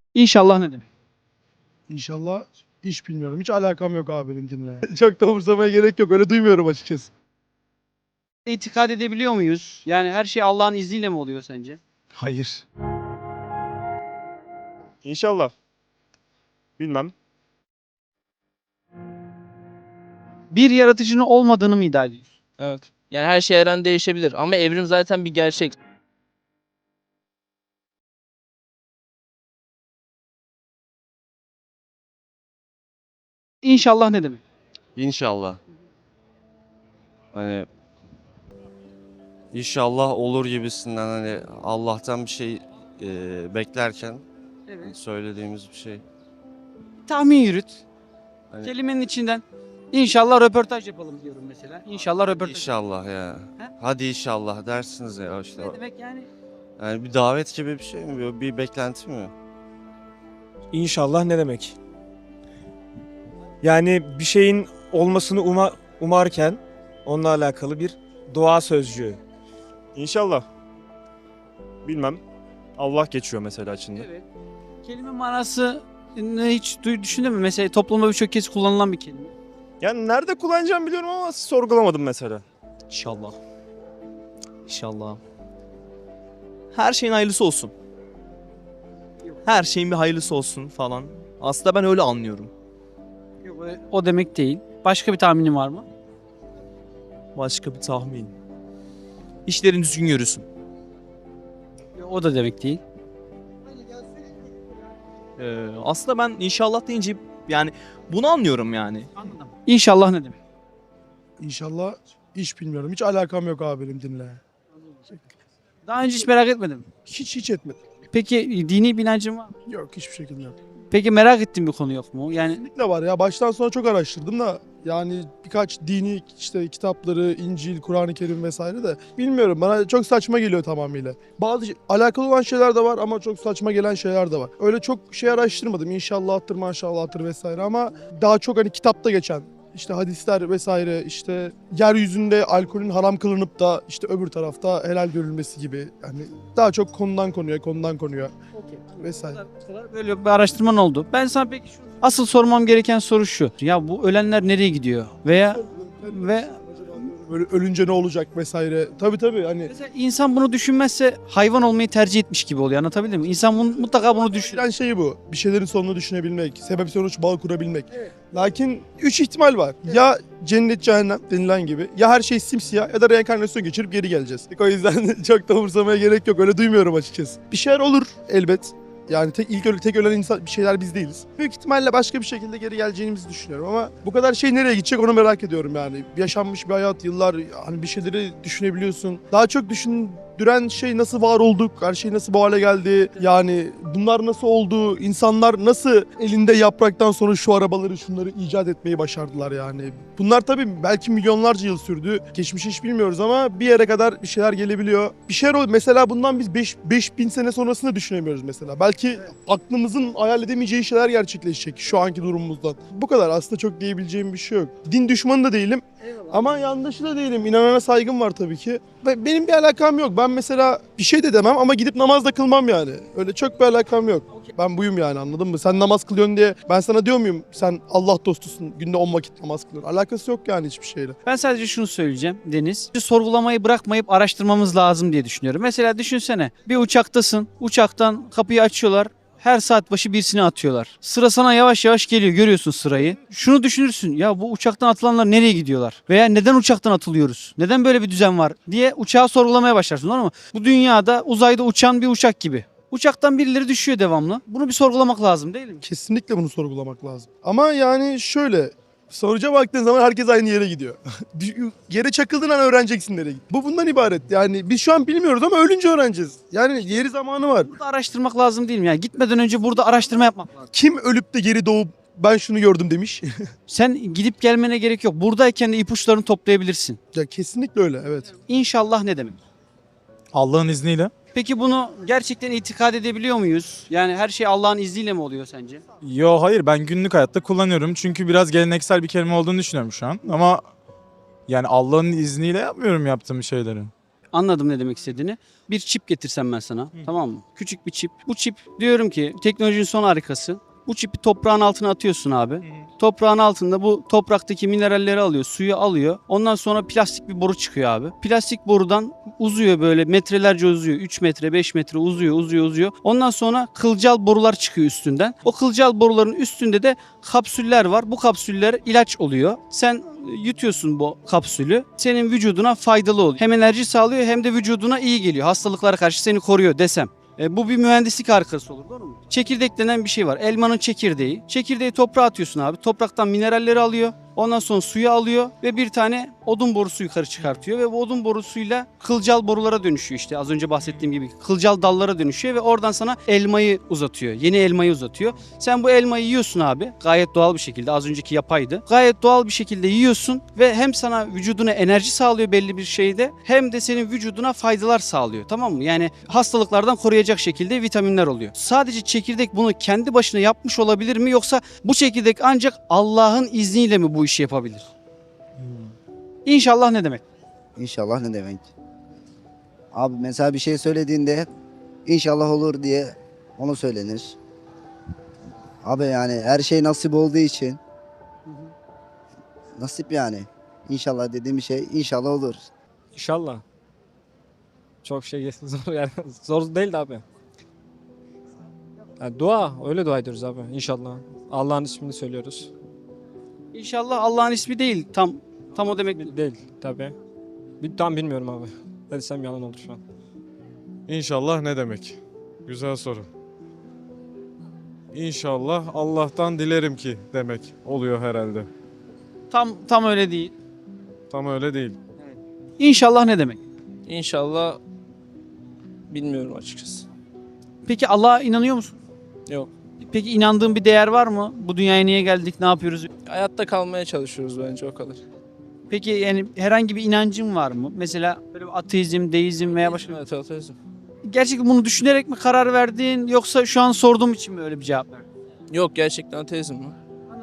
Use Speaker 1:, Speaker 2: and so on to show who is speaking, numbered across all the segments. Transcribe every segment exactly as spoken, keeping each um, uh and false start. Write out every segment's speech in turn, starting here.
Speaker 1: İnşallah ne demek?
Speaker 2: İnşallah hiç bilmiyorum. Hiç alakam yok abi benimkinle. Çok da umursamaya gerek yok. Öyle duymuyorum açıkçası.
Speaker 1: İtikad edebiliyor muyuz? Yani her şey Allah'ın izniyle mi oluyor sence?
Speaker 2: Hayır.
Speaker 3: İnşallah. Bilmem.
Speaker 1: Bir yaratıcının olmadığını mı iddia ediyorsun?
Speaker 4: Evet. Yani her şey her an değişebilir ama evrim zaten bir gerçek.
Speaker 1: İnşallah ne demek?
Speaker 5: İnşallah. Hani inşallah olur gibisinden hani Allah'tan bir şey e, beklerken
Speaker 1: Evet.
Speaker 5: söylediğimiz bir şey.
Speaker 1: Tahmin yürüt.
Speaker 5: Hani
Speaker 1: Kelimenin içinden. İnşallah röportaj yapalım diyorum mesela. İnşallah röportaj.
Speaker 5: inşallah ya.
Speaker 1: He?
Speaker 5: Hadi inşallah dersiniz ya işte.
Speaker 1: Ne demek yani?
Speaker 5: Yani bir davet gibi bir şey mi? Bir beklenti mi?
Speaker 6: İnşallah ne demek? Yani bir şeyin olmasını uma, umarken onunla alakalı bir dua sözcüğü.
Speaker 3: İnşallah. Bilmem. Allah geçiyor mesela içinde.
Speaker 1: Evet. Kelime manası ne hiç duy- düşündün mü? Mesela toplumda birçok kez kullanılan bir kelime.
Speaker 3: Yani nerede kullanacağımı biliyorum ama sorgulamadım mesela.
Speaker 7: İnşallah. İnşallah. Her şeyin hayırlısı olsun. Her şeyin bir hayırlısı olsun falan. Aslında ben öyle anlıyorum.
Speaker 1: Yok, o- o demek değil. Başka bir tahminin var mı?
Speaker 7: Başka bir tahmin. İşlerin düzgün yürüsün.
Speaker 1: O da demek değil.
Speaker 7: Ee, aslında ben inşallah deyince yani bunu anlıyorum yani.
Speaker 1: Anladım. İnşallah ne demek?
Speaker 2: İnşallah hiç bilmiyorum. Hiç alakam yok abi benimkinle.
Speaker 1: Daha önce hiç merak etmedim.
Speaker 2: Hiç hiç etmedim.
Speaker 1: Peki dini bir inancın var mı?
Speaker 2: Yok hiçbir şekilde yok.
Speaker 1: Peki merak ettiğin bir konu yok mu? Yani
Speaker 2: Kesinlikle var ya. Baştan sona çok araştırdım da yani birkaç dini işte kitapları, İncil, Kur'an-ı Kerim vesaire de bilmiyorum. Bana çok saçma geliyor tamamıyla. Bazı şey- alakalı olan şeyler de var ama çok saçma gelen şeyler de var. Öyle çok şey araştırmadım. İnşallahtır, maşallahtır vesaire ama daha çok hani kitapta geçen işte hadisler vesaire işte yeryüzünde alkolün haram kılınıp da işte öbür tarafta helal görülmesi gibi yani daha çok konudan konuya konudan konuya vesaire.
Speaker 1: böyle bir araştırman oldu. Ben sana peki şu asıl sormam gereken soru şu. Ya bu ölenler nereye gidiyor? Veya ve
Speaker 2: Böyle ölünce ne olacak vesaire. Tabii tabii hani
Speaker 1: mesela insan bunu düşünmezse hayvan olmayı tercih etmiş gibi oluyor. Anlatabildim mi? İnsan bunu, mutlaka bunu düşünür.
Speaker 2: düşünen şey bu. Bir şeylerin sonunu düşünebilmek, sebep sonuç bağ kurabilmek. Lakin üç ihtimal var. Ya cennet cehennem denilen gibi ya her şey simsiyah ya da reenkarnasyon geçirip geri geleceğiz. O yüzden çok da umursamaya gerek yok. Öyle duymuyorum açıkçası. Bir şeyler olur elbet. Yani tek ilk öyle tek ölen insan bir şeyler biz değiliz. Büyük ihtimalle başka bir şekilde geri geleceğimizi düşünüyorum ama bu kadar şey nereye gidecek onu merak ediyorum yani. Yaşanmış bir hayat, yıllar hani bir şeyleri düşünebiliyorsun. Daha çok düşündüren şey nasıl var olduk, her şey nasıl bu hale geldi. Yani bunlar nasıl oldu, insanlar nasıl elinde yapraktan sonra şu arabaları şunları icat etmeyi başardılar yani. Bunlar tabii belki milyonlarca yıl sürdü. Geçmişi hiç bilmiyoruz ama bir yere kadar bir şeyler gelebiliyor. Bir şeyler ol mesela bundan biz beş bin sene sonrasını düşünemiyoruz mesela. Belki aklımızın hayal edemeyeceği şeyler gerçekleşecek şu anki durumumuzdan. Bu kadar aslında çok diyebileceğim bir şey yok. Din düşmanı da değilim ama yandaşı da değilim. İnanana saygım var tabii ki. Ve benim bir alakam yok. Ben mesela bir şey de demem ama gidip namaz da kılmam yani. Öyle çok bir alakam yok. Ben buyum yani anladın mı? Sen namaz kılıyorsun diye ben sana diyor muyum sen Allah dostusun günde on vakit namaz kılıyorsun. Alakası yok yani hiçbir şeyle.
Speaker 1: Ben sadece şunu söyleyeceğim Deniz. Sorgulamayı bırakmayıp araştırmamız lazım diye düşünüyorum. Mesela düşünsene bir uçaktasın. Uçaktan kapıyı açıyorlar. Her saat başı birisini atıyorlar. Sıra sana yavaş yavaş geliyor. Görüyorsun sırayı. Şunu düşünürsün. Ya bu uçaktan atılanlar nereye gidiyorlar? Veya neden uçaktan atılıyoruz? Neden böyle bir düzen var? Diye uçağı sorgulamaya başlarsın. Doğru mu? Bu dünyada uzayda uçan bir uçak gibi. Uçaktan birileri düşüyor devamlı. Bunu bir sorgulamak lazım değil mi?
Speaker 2: Kesinlikle bunu sorgulamak lazım. Ama yani şöyle sonuca baktığın zaman herkes aynı yere gidiyor. Yere çakıldığın an öğreneceksin nereye git. Bu bundan ibaret. Yani biz şu an bilmiyoruz ama ölünce öğreneceğiz. Yani yeri zamanı var.
Speaker 1: Burada araştırmak lazım değil mi? Yani gitmeden önce burada araştırma yapmak lazım.
Speaker 2: Kim ölüp de geri doğup ben şunu gördüm demiş.
Speaker 1: Sen gidip gelmene gerek yok. Buradayken de ipuçlarını toplayabilirsin.
Speaker 2: Ya kesinlikle öyle evet.
Speaker 1: İnşallah ne demek?
Speaker 6: Allah'ın izniyle.
Speaker 1: Peki bunu gerçekten itikad edebiliyor muyuz? Yani her şey Allah'ın izniyle mi oluyor sence?
Speaker 6: Yo hayır ben günlük hayatta kullanıyorum. Çünkü biraz geleneksel bir kelime olduğunu düşünüyorum şu an. Ama yani Allah'ın izniyle yapmıyorum yaptığım şeyleri.
Speaker 1: Anladım ne demek istediğini. Bir çip getirsem ben sana, tamam mı? Küçük bir çip. Bu çip diyorum ki teknolojinin son harikası. Bu çipi toprağın altına atıyorsun abi. Toprağın altında bu topraktaki mineralleri alıyor, suyu alıyor. Ondan sonra plastik bir boru çıkıyor abi. Plastik borudan uzuyor böyle metrelerce uzuyor. üç metre, beş metre uzuyor, uzuyor, uzuyor. Ondan sonra kılcal borular çıkıyor üstünden. O kılcal boruların üstünde de kapsüller var. Bu kapsüller ilaç oluyor. Sen yutuyorsun bu kapsülü. Senin vücuduna faydalı oluyor. Hem enerji sağlıyor hem de vücuduna iyi geliyor. Hastalıklara karşı seni koruyor desem. E, bu bir mühendislik harikası olur, doğru mu? Çekirdek denen bir şey var. Elmanın çekirdeği. Çekirdeği toprağa atıyorsun abi. Topraktan mineralleri alıyor. Ondan sonra suyu alıyor ve bir tane odun borusu yukarı çıkartıyor ve bu odun borusuyla kılcal borulara dönüşüyor işte. Az önce bahsettiğim gibi kılcal dallara dönüşüyor ve oradan sana elmayı uzatıyor. Yeni elmayı uzatıyor. Sen bu elmayı yiyorsun abi. Gayet doğal bir şekilde. Az önceki yapaydı. Gayet doğal bir şekilde yiyorsun ve hem sana vücuduna enerji sağlıyor belli bir şeyde hem de senin vücuduna faydalar sağlıyor. Tamam mı? Yani hastalıklardan koruyacak şekilde vitaminler oluyor. Sadece çekirdek bunu kendi başına yapmış olabilir mi yoksa bu çekirdek ancak Allah'ın izniyle mi bu işi yapabilir? İnşallah ne demek?
Speaker 8: İnşallah ne demek? Abi mesela bir şey söylediğinde inşallah olur diye onu söylenir. Abi yani her şey nasip olduğu için nasip yani. İnşallah dediğim bir şey inşallah olur.
Speaker 9: İnşallah. Çok şey zor yani zor değil de abi. Yani dua öyle dua ediyoruz abi inşallah. Allah'ın ismini söylüyoruz.
Speaker 1: İnşallah Allah'ın ismi değil. Tam tam o demek değil.
Speaker 9: Değil tabii. Bir, tam bilmiyorum abi. Ne desem yalan olur şu an.
Speaker 10: İnşallah ne demek? Güzel soru. İnşallah Allah'tan dilerim ki demek oluyor herhalde.
Speaker 1: Tam tam öyle değil.
Speaker 10: Tam öyle değil.
Speaker 1: İnşallah ne demek?
Speaker 4: İnşallah bilmiyorum açıkçası.
Speaker 1: Peki Allah'a inanıyor musun?
Speaker 4: Yok.
Speaker 1: Peki inandığın bir değer var mı? Bu dünyaya niye geldik? Ne yapıyoruz?
Speaker 4: Hayatta kalmaya çalışıyoruz bence o kadar.
Speaker 1: Peki yani herhangi bir inancın var mı? Mesela böyle bir ateizm, deizm veya başka.
Speaker 4: Evet, ateizm.
Speaker 1: Gerçekten bunu düşünerek mi karar verdin yoksa şu an sorduğum için mi öyle bir cevap verdin?
Speaker 4: Yok, gerçekten ateizm mi?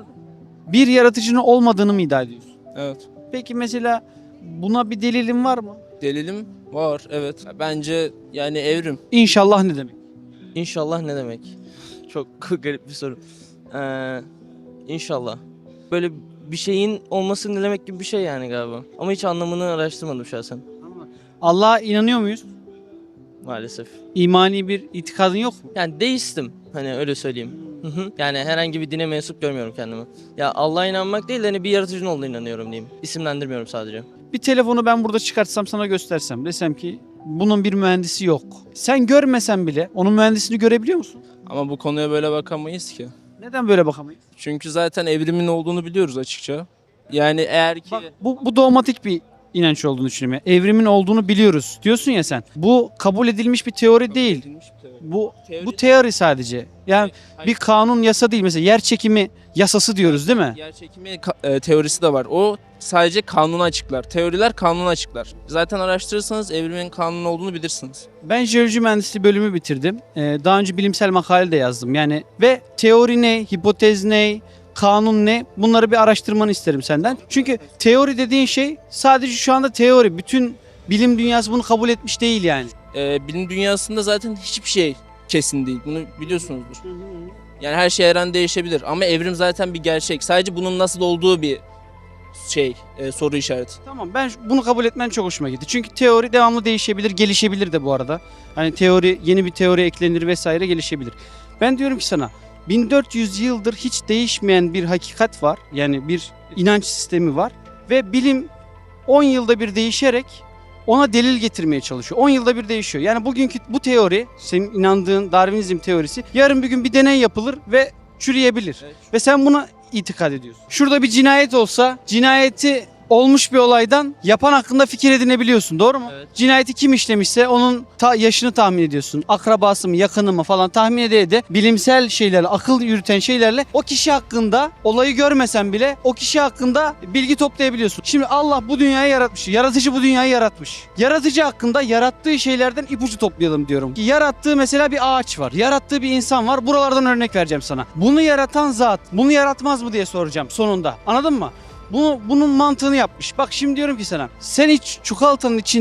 Speaker 1: Bir yaratıcının olmadığını mı iddia ediyorsun?
Speaker 4: Evet.
Speaker 1: Peki mesela buna bir delilin var mı?
Speaker 4: Delilim var, evet. Bence yani evrim.
Speaker 1: İnşallah ne demek?
Speaker 11: İnşallah ne demek? Çok garip bir soru. Ee, inşallah. Böyle bir şeyin olması ne demek gibi bir şey yani galiba. Ama hiç anlamını araştırmadım şahsen.
Speaker 1: Allah'a inanıyor muyuz?
Speaker 11: Maalesef.
Speaker 1: İmani bir itikadın yok mu?
Speaker 11: Yani deistim. Hani öyle söyleyeyim. Hı hı. Yani herhangi bir dine mensup görmüyorum kendimi. Ya Allah'a inanmak değil de hani bir yaratıcının olduğuna inanıyorum diyeyim. İsimlendirmiyorum sadece.
Speaker 1: Bir telefonu ben burada çıkartsam sana göstersem desem ki bunun bir mühendisi yok. Sen görmesen bile onun mühendisini görebiliyor musun?
Speaker 4: Ama bu konuya böyle bakamayız ki.
Speaker 1: Neden böyle bakamayız?
Speaker 4: Çünkü zaten evrimin olduğunu biliyoruz açıkça. Yani eğer ki...
Speaker 1: Bak, bu, bu dogmatik bir inanç olduğunu düşünüyorum. Yani evrimin olduğunu biliyoruz diyorsun ya sen. Bu kabul edilmiş bir teori değil. Bu bu teori sadece. Yani bir kanun yasa değil. Mesela yer çekimi yasası diyoruz değil mi?
Speaker 4: Yer çekimi ka- e, teorisi de var. O sadece kanunu açıklar. Teoriler kanunu açıklar. Zaten araştırırsanız evrimin kanunu olduğunu bilirsiniz.
Speaker 1: Ben jeoloji mühendisliği bölümü bitirdim. Ee, daha önce bilimsel makale de yazdım. Yani ve teori ne, hipotez ne, kanun ne? Bunları bir araştırmanı isterim senden. Çünkü teori dediğin şey sadece şu anda teori. Bütün bilim dünyası bunu kabul etmiş değil yani.
Speaker 4: E, bilim dünyasında zaten hiçbir şey kesin değil. Bunu biliyorsunuzdur. Yani her şey her an değişebilir. Ama evrim zaten bir gerçek. Sadece bunun nasıl olduğu bir şey, e, soru işareti.
Speaker 1: Tamam, ben bunu kabul etmen çok hoşuma gitti. Çünkü teori devamlı değişebilir, gelişebilir de bu arada. Hani teori, yeni bir teori eklenir vesaire, gelişebilir. Ben diyorum ki sana bin dört yüz yıldır hiç değişmeyen bir hakikat var. Yani bir inanç sistemi var ve bilim on yılda bir değişerek ona delil getirmeye çalışıyor. on yılda bir değişiyor. Yani bugünkü bu teori, senin inandığın Darwinizm teorisi, yarın bir gün bir deney yapılır ve çürüyebilir.
Speaker 4: Evet.
Speaker 1: Ve sen buna itikad ediyorsun. Şurada bir cinayet olsa, cinayeti olmuş bir olaydan yapan hakkında fikir edinebiliyorsun, doğru mu?
Speaker 4: Evet.
Speaker 1: Cinayeti kim işlemişse onun ta yaşını tahmin ediyorsun. Akrabası mı, yakını mı falan tahmin ede ede bilimsel şeylerle, akıl yürüten şeylerle o kişi hakkında, olayı görmesen bile o kişi hakkında bilgi toplayabiliyorsun. Şimdi Allah bu dünyayı yaratmış. Yaratıcı bu dünyayı yaratmış. Yaratıcı hakkında yarattığı şeylerden ipucu toplayalım diyorum. Yarattığı mesela bir ağaç var. Yarattığı bir insan var. Buralardan örnek vereceğim sana. Bunu yaratan zat bunu yaratmaz mı diye soracağım sonunda. Anladın mı? Bunu, bunun mantığını yapmış. Bak şimdi diyorum ki sana, sen hiç çikolatanın içinden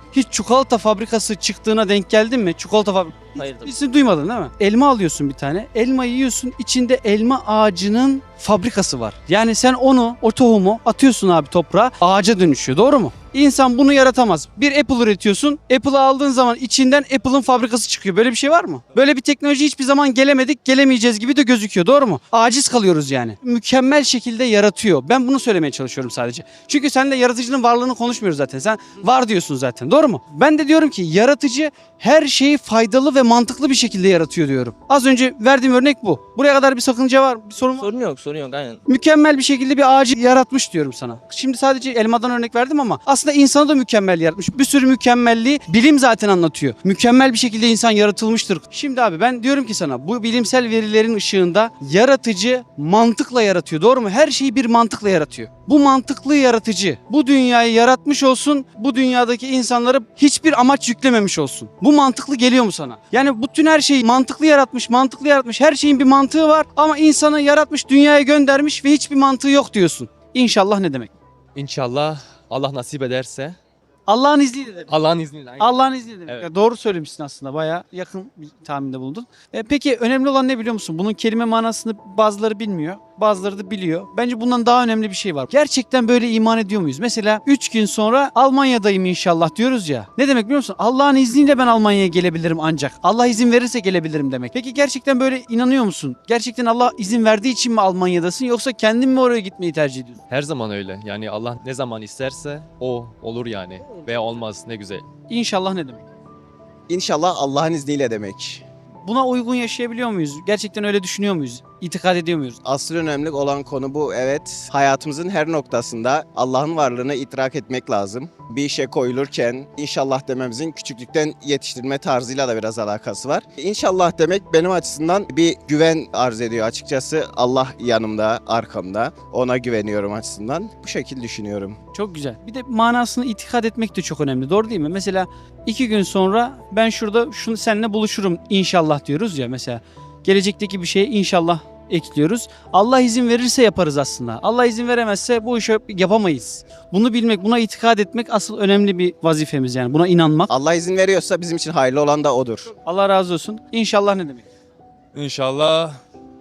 Speaker 1: Hiç çikolata fabrikası çıktığına denk geldin mi? Çikolata fabrikası.
Speaker 11: Hayır tabii.
Speaker 1: Hiç duymadın değil mi? Elma alıyorsun bir tane. Elma yiyorsun. İçinde elma ağacının fabrikası var. Yani sen onu, o tohumu atıyorsun abi toprağa. Ağaca dönüşüyor. Doğru mu? İnsan bunu yaratamaz. Bir Apple üretiyorsun. Apple'ı aldığın zaman içinden Apple'ın fabrikası çıkıyor. Böyle bir şey var mı? Böyle bir teknoloji hiçbir zaman gelemedik, gelemeyeceğiz gibi de gözüküyor. Doğru mu? Aciz kalıyoruz yani. Mükemmel şekilde yaratıyor. Ben bunu söylemeye çalışıyorum sadece. Çünkü sen de yaratıcının varlığını konuşmuyoruz zaten. Sen var diyorsun zaten. Doğru mu? Ben de diyorum ki yaratıcı her şeyi faydalı ve mantıklı bir şekilde yaratıyor diyorum. Az önce verdiğim örnek bu. Buraya kadar bir sakınca var, bir sorun var.
Speaker 11: Sorun yok, sorun yok aynen.
Speaker 1: Mükemmel bir şekilde bir ağacı yaratmış diyorum sana. Şimdi sadece elmadan örnek verdim ama aslında insanı da mükemmel yaratmış. Bir sürü mükemmelliği bilim zaten anlatıyor. Mükemmel bir şekilde insan yaratılmıştır. Şimdi abi ben diyorum ki sana bu bilimsel verilerin ışığında yaratıcı mantıkla yaratıyor. Doğru mu? Her şeyi bir mantıkla yaratıyor. Bu mantıklı yaratıcı bu dünyayı yaratmış olsun. Bu dünyadaki insanları hiçbir amaç yüklememiş olsun. Bu mantıklı geliyor mu sana? Yani bütün her şeyi mantıklı yaratmış, mantıklı yaratmış. Her şeyin bir mantığı var ama insanı yaratmış, dünyaya göndermiş ve hiçbir mantığı yok diyorsun. İnşallah ne demek?
Speaker 9: İnşallah Allah nasip ederse.
Speaker 1: Allah'ın izniyle demek.
Speaker 9: Allah'ın izniyle. aynen.
Speaker 1: Allah'ın izniyle demek.
Speaker 9: Evet.
Speaker 1: Ya doğru söylemişsin aslında. Bayağı yakın bir tahminde bulundun. E, peki önemli olan ne biliyor musun? Bunun kelime manasını bazıları bilmiyor. Bazıları da biliyor. Bence bundan daha önemli bir şey var. Gerçekten böyle iman ediyor muyuz? Mesela üç gün sonra Almanya'dayım inşallah diyoruz ya. Ne demek biliyor musun? Allah'ın izniyle ben Almanya'ya gelebilirim ancak. Allah izin verirse gelebilirim demek. Peki gerçekten böyle inanıyor musun? Gerçekten Allah izin verdiği için mi Almanya'dasın yoksa kendin mi oraya gitmeyi tercih ediyorsun?
Speaker 9: Her zaman öyle. Yani Allah ne zaman isterse o olur yani. Veya olmaz ne güzel.
Speaker 1: İnşallah ne demek?
Speaker 12: İnşallah Allah'ın izniyle demek.
Speaker 1: Buna uygun yaşayabiliyor muyuz? Gerçekten öyle düşünüyor muyuz? İtikad ediyor muyuz?
Speaker 12: Asıl önemli olan konu bu. Evet, hayatımızın her noktasında Allah'ın varlığını idrak etmek lazım. Bir işe koyulurken inşallah dememizin küçüklükten yetiştirme tarzıyla da biraz alakası var. İnşallah demek benim açısından bir güven arz ediyor açıkçası. Allah yanımda, arkamda. Ona güveniyorum açısından. Bu şekilde düşünüyorum.
Speaker 1: Çok güzel. Bir de manasını itikad etmek de çok önemli. Doğru değil mi? Mesela iki gün sonra ben şurada şunu seninle buluşurum inşallah diyoruz ya mesela. Gelecekteki bir şeye inşallah ekliyoruz. Allah izin verirse yaparız aslında. Allah izin veremezse bu işi yapamayız. Bunu bilmek, buna itikad etmek asıl önemli bir vazifemiz yani. Buna inanmak.
Speaker 12: Allah izin veriyorsa bizim için hayırlı olan da odur.
Speaker 1: Allah razı olsun. İnşallah ne demek?
Speaker 10: İnşallah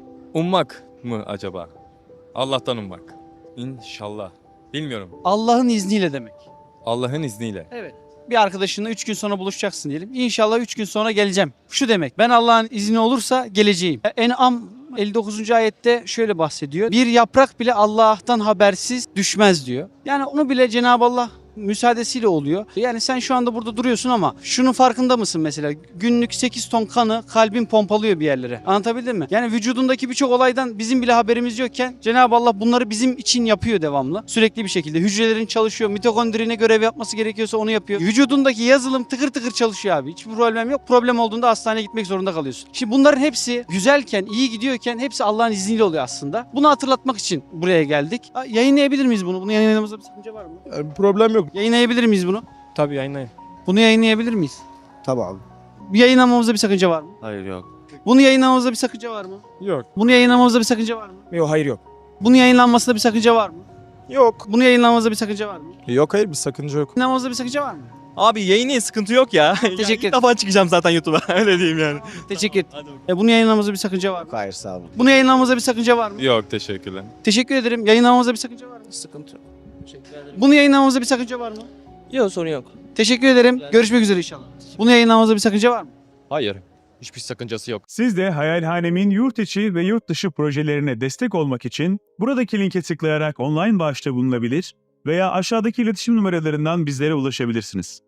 Speaker 10: ummak mı acaba? Allah'tan ummak. İnşallah. Bilmiyorum.
Speaker 1: Allah'ın izniyle demek.
Speaker 10: Allah'ın izniyle.
Speaker 1: Evet. Bir arkadaşınla üç gün sonra buluşacaksın diyelim. İnşallah üç gün sonra geleceğim. Şu demek. Ben Allah'ın izni olursa geleceğim. En'am elli dokuzuncu ayette şöyle bahsediyor. Bir yaprak bile Allah'tan habersiz düşmez diyor. Yani onu bile Cenab-ı Allah müsaadesiyle oluyor. Yani sen şu anda burada duruyorsun ama şunun farkında mısın mesela? Günlük sekiz ton kanı kalbin pompalıyor bir yerlere. Anlatabildim mi? Yani vücudundaki birçok olaydan bizim bile haberimiz yokken Cenab-ı Allah bunları bizim için yapıyor devamlı. Sürekli bir şekilde. Hücrelerin çalışıyor. Mitokondri ne görev yapması gerekiyorsa onu yapıyor. Vücudundaki yazılım tıkır tıkır çalışıyor abi. Hiçbir problem yok. Problem olduğunda hastaneye gitmek zorunda kalıyorsun. Şimdi bunların hepsi güzelken, iyi gidiyorken hepsi Allah'ın izniyle oluyor aslında. Bunu hatırlatmak için buraya geldik. Yayınlayabilir miyiz bunu? Bunu yayınlamamızda bir sakınca var mı?
Speaker 2: Yani bir problem yok.
Speaker 1: Yayınlayabilir miyiz bunu?
Speaker 6: Tabii yayınlayın.
Speaker 1: Bunu yayınlayabilir miyiz?
Speaker 8: Tabii abi.
Speaker 1: Bir yayınlamamızda bir sakınca var mı?
Speaker 5: Hayır yok.
Speaker 1: Bunu yayınlamamızda bir sakınca var mı?
Speaker 10: Yok.
Speaker 1: Bunu yayınlamamızda bir sakınca var mı?
Speaker 6: Yok hayır yok.
Speaker 1: Bunun yayınlanmasında bir sakınca var mı?
Speaker 6: Yok.
Speaker 1: Bunu yayınlamamızda bir sakınca var mı?
Speaker 10: Yok hayır bir sakınca yok.
Speaker 1: Yayınlamamızda bir sakınca var mı?
Speaker 6: Abi yayını sıkıntı yok ya.
Speaker 1: Teşekkür
Speaker 6: İlk defa çıkacağım zaten YouTube'a. Öyle diyeyim yani.
Speaker 1: Teşekkür ederim. E, bunu yayınlamamızda bir sakınca var mı?
Speaker 12: Hayır sağ olun.
Speaker 1: Bunu yayınlamamızda bir sakınca var mı?
Speaker 10: Yok teşekkürler.
Speaker 1: Teşekkür ederim. Yayınlamamızda bir sakınca var mı?
Speaker 11: Sıkıntı yok. Teşekkür ederim.
Speaker 1: Bunu yayınlamamızda bir sakınca var mı?
Speaker 11: Yok sorun yok.
Speaker 1: Teşekkür ederim. Görüşmek üzere inşallah. Bunu yayınlamamızda bir sakınca var mı?
Speaker 9: Hayır. Hiçbir sakıncası yok.
Speaker 13: Siz de Hayalhanem'in yurt içi ve yurt dışı projelerine destek olmak için buradaki linke tıklayarak online bağışta bulunabilir veya aşağıdaki iletişim numaralarından bizlere ulaşabilirsiniz.